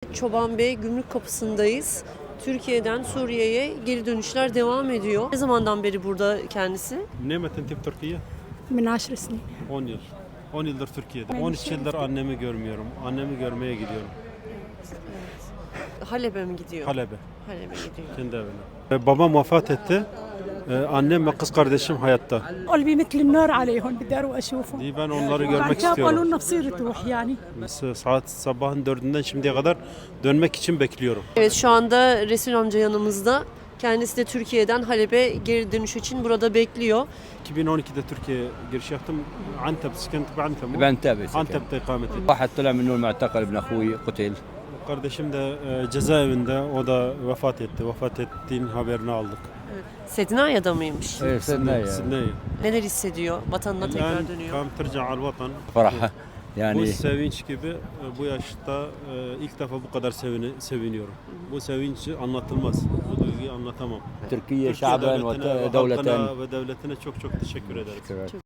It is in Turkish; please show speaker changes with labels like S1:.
S1: Çoban Bey gümrük kapısındayız. Türkiye'den Suriye'ye geri dönüşler devam ediyor. Ne zamandan beri burada kendisi?
S2: Ne metin tip Türkiye?
S3: من 10 سنين.
S2: 10 yıl. 10 yıldır Türkiye'de.
S3: Ben
S2: 13
S3: şey-
S2: yıldır annemi görmüyorum. Annemi görmeye gidiyorum.
S1: Halep'e mi gidiyor?
S2: Halep'e,
S1: Halep'e gidiyor.
S2: kendi evine. Babam vefat etti. Annem ve kız kardeşim hayatta.
S3: قلبي مثل النار عليهم بدي اروح اشوفهم.
S2: Ben onları
S3: بعد
S2: görmek
S3: كده قالوا
S2: istiyorum.
S3: لنا بصير تروح يعني.
S2: Saat sabahın 4'ünden şimdiye kadar dönmek için bekliyorum.
S1: Evet, şu anda Resul amca yanımızda. Kendisi de Türkiye'den Halep'e geri dönüş için burada bekliyor.
S2: 2012'de Türkiye'ye giriş yaptım. Antep, sıkıntı Antep.
S4: بنتابع
S2: Antep'te ikamet ettim.
S4: واحد طلع من نور معتقل ابن اخوي قتل.
S2: Kardeşim de cezaevinde, o da vefat etti. Vefat ettiğin haberini aldık.
S1: Sednaya'da mıymış?
S4: ايه صرنا
S2: Sidney.
S1: Neler hissediyor? Vatanına tekrar
S2: Ben
S1: dönüyor.
S2: kam terca al vatan.
S4: فرحه
S2: Bu
S4: يعني
S2: sevinç gibi bu yaşta ilk defa bu kadar seviniyorum. Bu sevinç anlatılmaz. Bu duyguyu anlatamam.
S4: تركيا
S2: Türkiye
S4: شعبا
S2: devletine ve
S4: ودولة.
S2: halkına ve devletine çok çok teşekkür ederim.